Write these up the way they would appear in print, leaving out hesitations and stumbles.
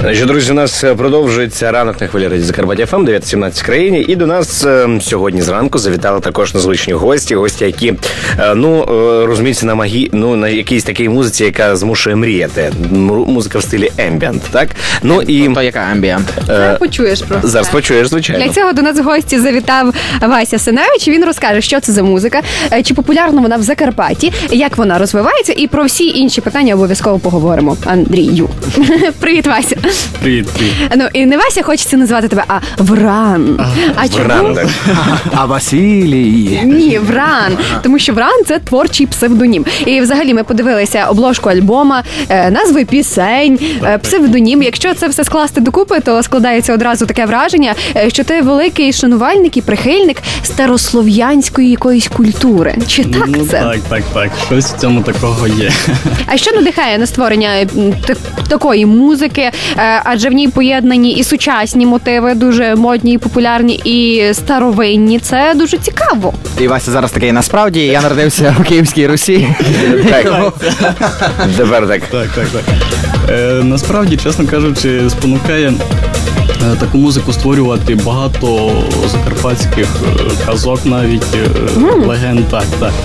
Значить, друзі, у нас продовжується ранок на хвилі Радіо Закарпаття ФМ, 9:17 в країні. І до нас сьогодні зранку завітали також незвичні гості, які, розуміються на якійсь такій музиці, яка змушує мріяти. Музика в стилі ембієнт, так? То яка ембієнт? Почуєш просто. Зараз почуєш, звичайно. Для цього до нас в гості завітав Вася Синевич. Він розкаже, що це за музика, чи популярна вона в Закарпатті, як вона розвивається, і про всі інші питання обов'язково поговоримо. Андрію. Привіт, Вася. Привіт. І не Вася хочеться назвати тебе, а Вран. Вран, так. А Василій. Ні, Вран. Тому що Вран – це творчий псевдонім. І взагалі ми подивилися обложку альбома, назви пісень, псевдонім. Якщо це все скласти докупи, то складається одразу таке враження, що ти великий шанувальник і прихильник старослов'янської якоїсь культури. Чи так це? Так. Щось в цьому такого є. А що надихає на створення такої музики? Адже в ній поєднані і сучасні мотиви, дуже модні і популярні, і старовинні. Це дуже цікаво. І Вася зараз такий, насправді, я народився в Київській Русі. Так. Тепер так. Так. Насправді, чесно кажучи, спонукає таку музику створювати багато закарпатських казок, навіть легенд. Так.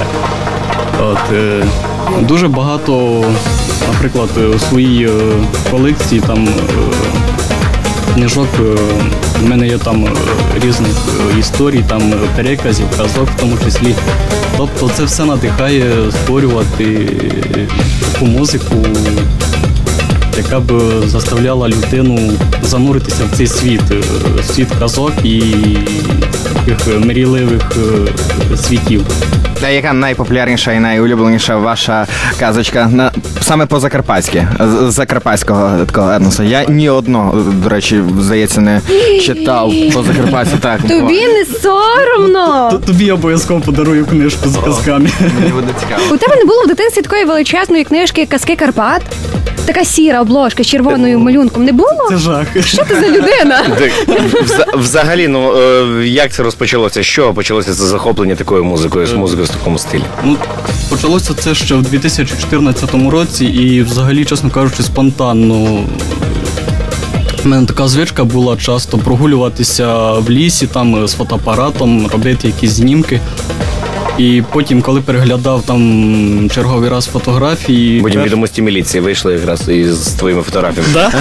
Дуже багато, наприклад, у своїй колекції там книжок, в мене є там різних історій, там переказів, казок в тому числі. Тобто це все надихає створювати таку музику, яка б заставляла людину зануритися в цей світ казок і таких мрійливих світів. А яка найпопулярніша і найулюбленіша ваша казочка саме по-закарпатськи, з закарпатського такого етносу? Я ні одного, до речі, здається, не читав по-закарпатськи. Так. Тобі не соромно? Тобі обов'язково подарую книжку з казками. Мені буде цікаво. У тебе не було в дитинстві такої величезної книжки «Казки Карпат»? Така сіра обложка з червоною малюнком. Не було? Це жах. Що ти за людина? Взагалі, як це розпочалося? Що почалося це захоплення такою музикою, з музикою в такому стилі? Почалося це ще в 2014 році і взагалі, чесно кажучи, спонтанно. У мене така звичка була часто прогулюватися в лісі там з фотоапаратом, робити якісь знімки. І потім, коли переглядав там черговий раз фотографії... Потім відомості міліції вийшли якраз із твоїми фотографіями. Да?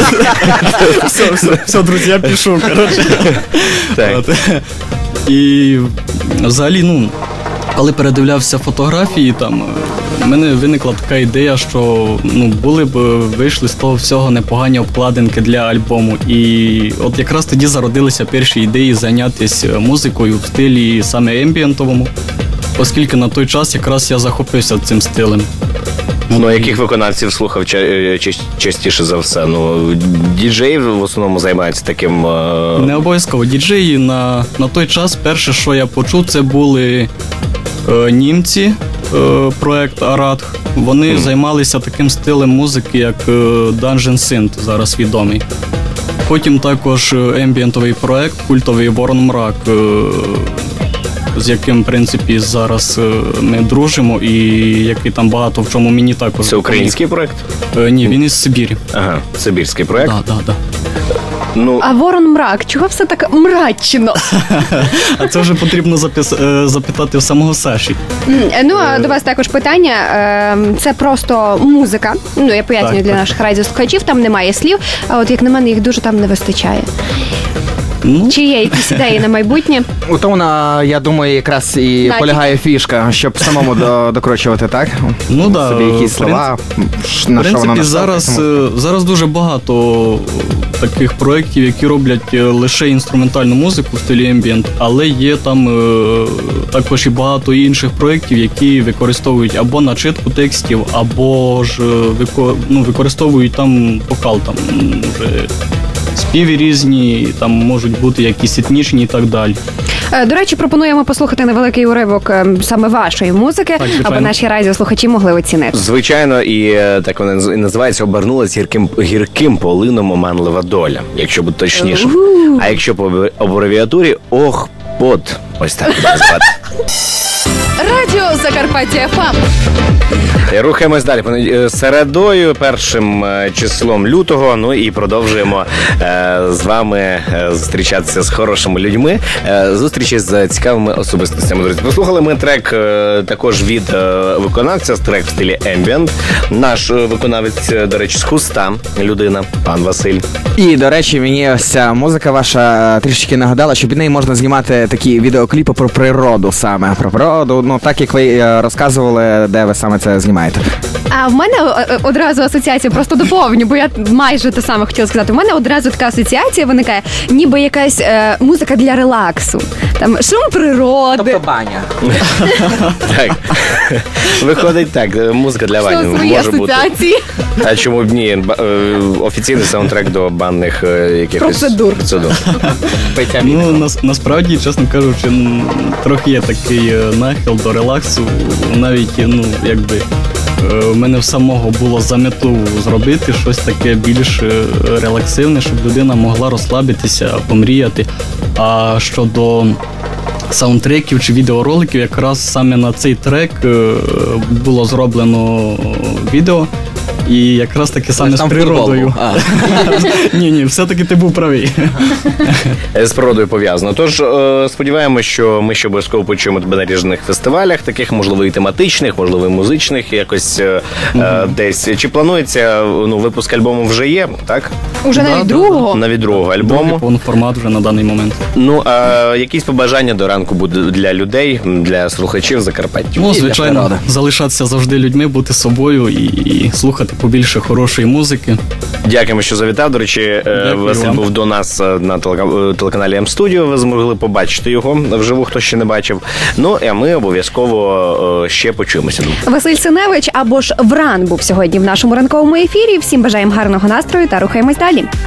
Все, друзі, я пішов, коротше. Так. І взагалі, коли передивлявся фотографії, там в мене виникла така ідея, що були б вийшли з того всього непогані обкладинки для альбому. І от якраз тоді зародилися перші ідеї зайнятися музикою в стилі саме ембієнтовому, оскільки на той час якраз я захопився цим стилем. Яких виконавців слухав частіше за все? Діджеї в основному займаються таким... Не обов'язково. Діджеї на той час перше, що я почув, це були німці, проект Аратх. Вони займалися таким стилем музики, як Dungeon Synth, зараз відомий. Потім також ембієнтовий проект, культовий Ворон Мрак, з яким, в принципі, зараз ми дружимо і який там багато в чому мені також... Це український проект? Ні, він із Сибірі. Ага, сибірський проект? Так. А Ворон Мрак, чого все так мрачно? А це вже потрібно запитати в самого Саші. А до вас також питання. Це просто музика. Я пояснюю для наших радіослухачів, там немає слів, а от як на мене, їх дуже там не вистачає. Чи є якісь ідеї на майбутнє? У тому, я думаю, якраз і полягає фішка, щоб самому докручувати, так? Так. Собі якісь слова, на що воно зараз дуже багато таких проєктів, які роблять лише інструментальну музику в стилі ембієнт, але є там також і багато інших проєктів, які використовують або начитку текстів, або ж використовують там вокал, там вже співи різні, там можуть бути якісь етнічні і так далі. До речі, пропонуємо послухати невеликий уривок саме вашої музики, аби наші радіослухачі могли оцінити. Звичайно, і так вона і називається «Обернулась гірким полином оманлива доля», якщо бути точніше. А якщо по абревіатурі «Ох, пот». Ось так буде звати. Радіо Закарпаття ФМ. Рухаємось далі. Середою, першим числом лютого, ну і продовжуємо з вами зустрічатися з хорошими людьми, зустрічі з цікавими особистостями. Друзі, послухали ми трек також від виконавця, трек в стилі ембієнт. Наш виконавець, до речі, з Хуста, людина, пан Василь. І, до речі, мені ось ця музика ваша трішечки нагадала, що під неї можна знімати такі відеокліпи про природу саме. Про природу, ну так як ви розказували, де ви саме це знімаєте. А в мене одразу асоціація, просто доповню, бо я майже те саме хотіла сказати. У мене одразу така асоціація виникає, ніби якась музика для релаксу. Там шум природи. баня. Так. Виходить так, музика для Що вані свої може бути. асоціації. А чому б ні? Офіційний саундтрек до банних якихось Процедур. Ну, насправді, чесно кажучи, трохи є такий нахил до релаксу. Навіть, ну, якби в мене в самого було замітлу зробити щось таке більш релаксивне, щоб людина могла розслабитися, помріяти. А щодо саундтреків чи відеороликів, якраз саме на цей трек було зроблено відео. І якраз таки саме з природою. Ні, все-таки ти був правий. З природою пов'язано. Тож сподіваємося, що ми ще обов'язково почуємо тебе на різних фестивалях, таких, можливо, і тематичних, можливо, і музичних, якось десь. Чи планується, ну, випуск альбому вже є, так? Уже навіть другого. Навіть другого Другий альбому. повноформат вже на даний момент. Ну, а якісь побажання до ранку будуть для людей, для слухачів Закарпаття? Ну, звичайно, залишатися завжди людьми, бути собою і слухати побільше хорошої музики. Дякуємо, що завітав. До речі, Василь вам. був до нас на телеканалі М-студіо. Ви змогли побачити його вживу, хто ще не бачив. Ну, а ми обов'язково ще почуємося. Василь Синевич або ж Вран був сьогодні в нашому ранковому ефірі. Всім бажаємо гарного настрою та рухаємось далі.